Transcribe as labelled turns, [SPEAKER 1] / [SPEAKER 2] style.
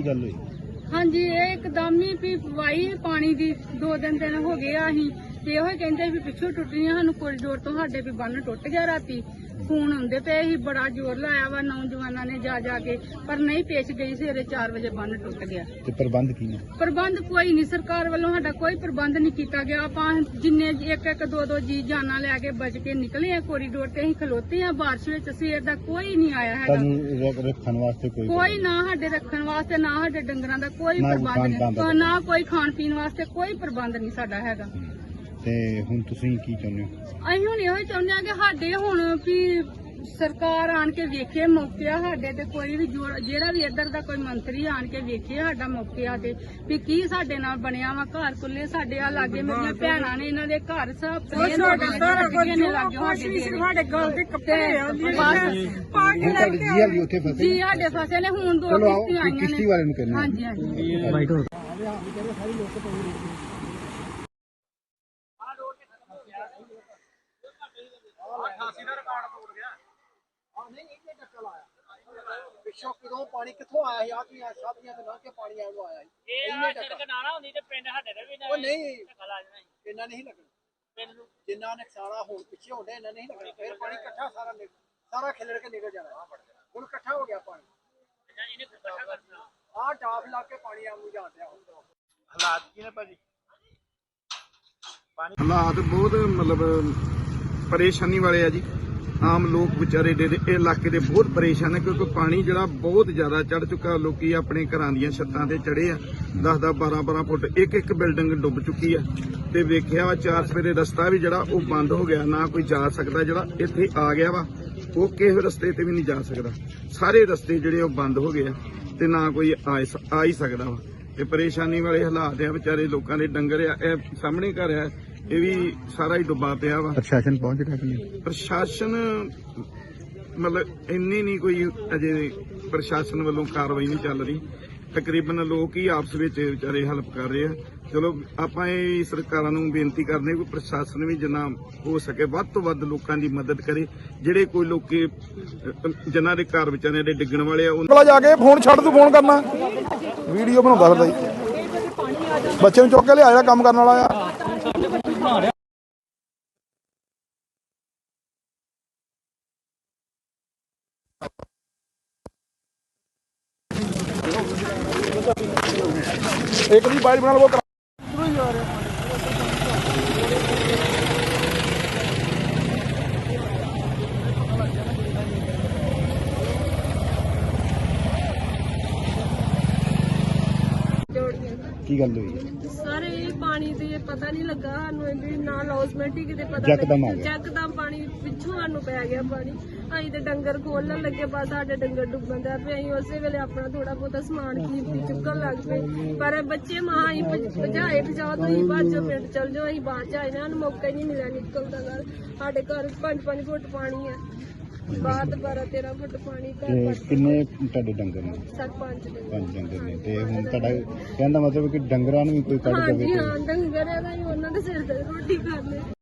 [SPEAKER 1] गल हुई?
[SPEAKER 2] हाँ जी, ये एकदम ही भी वाई पानी दी 2 दिन हो गए अहीं ते ओह कहंदे भी पिछों टुटनी सानू कोरीडोर तो साडे भी बन्न टुट गया राती फोन आंदे पे ही बड़ा जोर लाया वा नौजवानों ने जा के पर नहीं पेश गई सवेरे 4 बजे बन्न टुट गया।
[SPEAKER 1] ते प्रबंध की है?
[SPEAKER 2] प्रबंध कोई नहीं, सरकार वालों साडा कोई प्रबंध नहीं किया गया। आपां जिन्ने एक दो जी जाना लैके बच के निकले हैं कोरीडोर ते अहीं खलोते हैं बारिश विच, सवेर दा कोई नहीं आया है।
[SPEAKER 1] रखने वास्ते
[SPEAKER 2] कोई ना साडे रखने वास्ते ना साडे डंगरां दा कोई प्रबंध नहीं, ना कोई खाण पीण वास्ते कोई प्रबंध नहीं साडा हैगा।
[SPEAKER 1] ते हुण तुसीं की चाहुंदे हो?
[SPEAKER 2] ਅਸੀਂ ਹੁਣ ਇਹੋ ਚਾਹੁੰਦੇ ਆ ਕਿ ਸਾਡੇ ਹੁਣ ਵੀ ਸਰਕਾਰ ਆਣ ਕੇ ਵੇਖੇ ਮੌਕੇ ਆ ਸਾਡੇ ਤੇ ਕੋਈ ਵੀ ਜਿਹੜਾ ਵੀ ਇੱਧਰ ਦਾ ਕੋਈ ਮੰਤਰੀ ਆਣ ਕੇ ਵੇਖੇ ਸਾਡਾ ਮੌਕੇ ਆ ਤੇ ਵੀ ਕੀ ਸਾਡੇ ਨਾਲ ਬਣਿਆ ਵਾ। ਘਰ ਕੁੱਲੇ ਸਾਡੇ ਆ ਲਾਗੇ ਮੇਰੀਆਂ ਭੈਣਾਂ ਨੇ ਇਹਨਾਂ ਦੇ ਘਰ ਸਭ ਨੇ ਲਾਗੇ ਸਾਡੇ ਗਲ ਦੇ ਕੱਪੜੇ ਆ ਜੀ ਸਾਡੇ ਫਸੇ ਨੇ ਹੁਣ 2 ਕਿਸ਼ਤੀਆਂ ਆਈਆਂ ਨੇ
[SPEAKER 1] ਕਿਸ਼ਤੀ ਵਾਲੇ ਨੂੰ ਕਹਿੰਦੇ।
[SPEAKER 2] ਹਾਂਜੀ ਹਾਂਜੀ
[SPEAKER 3] ਪਿੱਛੋਂ ਕਿਦੋਂ ਪਾਣੀ ਕਿੱਥੋਂ ਆਇਆ ਸੀ? ਆਹ ਕੀ ਸਾਧੀਆਂ ਤੇ ਲੰਘ ਕੇ ਪਾਣੀ ਆਉਂ ਆਇਆ ਸੀ। ਇੰਨੇ ਟੱਕਾ ਨਾਲਾ ਹੁੰਦੀ ਤੇ ਪਿੰਡ ਸਾਡੇ ਦੇ ਵੀ ਉਹ ਨਹੀਂ ਇੰਨਾ ਨਹੀਂ ਲੱਗਣਾ। ਜਿੰਨਾ ਨੁਕਸਾਨਾ ਹੁਣ ਪਿੱਛੇ ਹੁੰਦਾ ਇੰਨਾ ਨਹੀਂ ਲੱਗਣਾ। ਫਿਰ ਪਾਣੀ ਇਕੱਠਾ ਸਾਰਾ ਖਿਲੜ ਕੇ ਨਿਕਲ ਜਾਣਾ। ਹੁਣ ਇਕੱਠਾ ਹੋ ਗਿਆ ਪਾਣੀ। ਆਹ ਟਾਪ ਲਾ ਕੇ ਪਾਣੀ ਆਉਂ ਜਾਂਦਾ। ਹਾਲਾਤ ਕੀ ਨੇ ਭਾਜੀ?
[SPEAKER 4] ਹਾਲਾਤ ਬਹੁਤ ਮਤਲਬ ਪਰੇਸ਼ਾਨੀ ਵਾਲੇ ਆ ਜੀ। ਆਮ ਲੋਕ ਵਿਚਾਰੇ ਦੇ ਇਲਾਕੇ ਦੇ ਬਹੁਤ ਪਰੇਸ਼ਾਨ ਹੈ ਕਿਉਂਕਿ ਪਾਣੀ ਜਿਹੜਾ ਬਹੁਤ ਜ਼ਿਆਦਾ ਚੜ ਚੁੱਕਾ। ਲੋਕੀ ਆਪਣੇ ਘਰਾਂ ਦੀਆਂ ਛੱਤਾਂ ਤੇ ਚੜੇ ਆ। 10-10 12-12 ਫੁੱਟ ਇੱਕ ਬਿਲਡਿੰਗ ਡੁੱਬ ਚੁੱਕੀ ਆ ਤੇ ਵੇਖਿਆ ਵਾ 4 ਸਵੇਰੇ ਰਸਤਾ ਵੀ ਜਿਹੜਾ ਉਹ ਬੰਦ ਹੋ ਗਿਆ। ਨਾ ਕੋਈ ਜਾ ਸਕਦਾ, ਜਿਹੜਾ ਇੱਥੇ ਆ ਗਿਆ ਵਾ ਉਹ ਕਿਸੇ ਰਸਤੇ ਤੇ ਵੀ ਨਹੀਂ ਜਾ ਸਕਦਾ। ਸਾਰੇ ਰਸਤੇ ਜਿਹੜੇ ਉਹ ਬੰਦ ਹੋ ਗਏ ਆ ਤੇ ਨਾ ਕੋਈ ਆ ਹੀ ਸਕਦਾ ਵਾ। ਤੇ ਪਰੇਸ਼ਾਨੀ ਵਾਲੇ ਹਾਲਾਤ ਆ ਵਿਚਾਰੇ ਲੋਕਾਂ ਦੇ। ਡੰਗਰ ਆ, ਇਹ ਸਾਹਮਣੇ ਘਰ ਆ, ਇਹ ਵੀ ਸਾਰਾ ਹੀ ਡੁੱਬਾ ਪਿਆ ਵਾ।
[SPEAKER 1] ਪ੍ਰਸ਼ਾਸਨ ਪਹੁੰਚ ਰਿਹਾ ਕਿ ਨਹੀਂ?
[SPEAKER 4] ਪ੍ਰਸ਼ਾਸਨ ਮਤਲਬ ਇੰਨੀ ਨਹੀਂ ਕੋਈ ਅਜੇ ਪ੍ਰਸ਼ਾਸਨ ਵੱਲੋਂ ਕਾਰਵਾਈ ਨਹੀਂ ਚੱਲ ਰਹੀ। ਤਕਰੀਬਨ ਲੋਕ ਹੀ ਆਪਸ ਵਿੱਚ ਵਿਚਾਰੇ ਹੈਲਪ ਕਰ ਰਹੇ ਆ। ਚਲੋ ਆਪਾਂ ਇਹ ਸਰਕਾਰਾਂ ਨੂੰ ਬੇਨਤੀ ਕਰਦੇ ਕਿ ਪ੍ਰਸ਼ਾਸਨ ਵੀ ਜਿੰਨਾ ਹੋ ਸਕੇ ਵੱਧ ਤੋਂ ਵੱਧ ਲੋਕਾਂ ਦੀ ਮਦਦ ਕਰੇ। ਜਿਹੜੇ ਕੋਈ ਲੋਕੀ ਜਿਨ੍ਹਾਂ ਦੇ ਘਰ ਵਿਚਾਰਿਆਂ ਦੇ ਡਿੱਗਣ ਵਾਲੇ ਆ
[SPEAKER 5] ਉਹਨਾਂ ਜਾ ਕੇ ਫੋਨ ਛੱਡ ਤੂੰ ਫੋਨ ਕਰਨਾ ਵੀਡੀਓ ਬਣਾਉਂਦਾ ਫਿਰਦਾ ਜੀ। ਬੱਚੇ ਨੂੰ ਚੁੱਕ ਕੇ ਲਿਆ ਜਿਹੜਾ ਕੰਮ ਕਰਨ ਵਾਲਾ ਆ। एक भी बाइट बना लो
[SPEAKER 1] की गल हुई?
[SPEAKER 2] ਸਾਰੇ ਪਾਣੀ ਦੇ ਪਤਾ ਨਹੀਂ ਲੱਗਾ ਸਾਨੂੰ ਇਹਦੀ ਨਾ ਲੌਸਮੈਂਟ ਹੀ ਕਿਤੇ ਪਤਾ
[SPEAKER 1] ਯਕਦਮ ਆ ਗਿਆ।
[SPEAKER 2] ਯਕਦਮ ਪਾਣੀ ਪਿੱਛੋਂ ਸਾਨੂੰ ਪੈ ਗਿਆ ਪਾਣੀ। ਅਸੀਂ ਤੇ ਡੰਗਰ ਖੋਲਣ ਲੱਗੇ ਬਸ ਸਾਡੇ ਡੰਗਰ ਡੁੱਬਣ ਦਾ ਪਏ। ਅਸੀਂ ਉਸੇ ਵੇਲੇ ਆਪਣਾ ਥੋੜਾ ਬਹੁਤਾ ਸਮਾਨ ਕੀਮਤੀ ਚੁੱਕਣ ਲੱਗ ਪਏ ਪਰ ਬੱਚੇ ਮਾਂ ਹੀ ਭਜਾਏ ਭਜਾਓ ਤੁਸੀਂ ਬਾਜੋ ਪਿੰਡ ਚਲ ਜਾਓ। ਅਸੀਂ ਬਾਅਦ ਚ ਆਏ ਨਾ, ਸਾਨੂੰ ਮੌਕਾ ਹੀ ਨਹੀਂ ਮਿਲਿਆ ਨਿਕਲਣ ਦਾ। ਸਾਡੇ ਘਰ 5-5 ਫੁੱਟ ਪਾਣੀ ਹੈ, ਬਾਅਦ 12-13 ਫੁੱਟ ਪਾਣੀ ਘਰ।
[SPEAKER 1] ਕਿੰਨੇ ਤੁਹਾਡੇ ਡੰਗਰ ਨੇ?
[SPEAKER 2] 5
[SPEAKER 1] ਡੰਗਰ ਨੇ। ਤੇ ਹੁਣ ਤੁਹਾਡਾ ਕਹਿਣ ਦਾ ਮਤਲਬ ਕਿ ਡੰਗਰਾਂ ਨੂੰ ਵੀ ਕੋਈ ਕੱਢ ਦੇਵੇ?
[SPEAKER 2] ਹਾਂਜੀ ਹਾਂ, ਡੰਗਰ ਹੈਗਾ ਉਹਨਾਂ ਦੇ ਸਿਰ ਤੇ ਰੋਟੀ ਖਾਂਦੇ।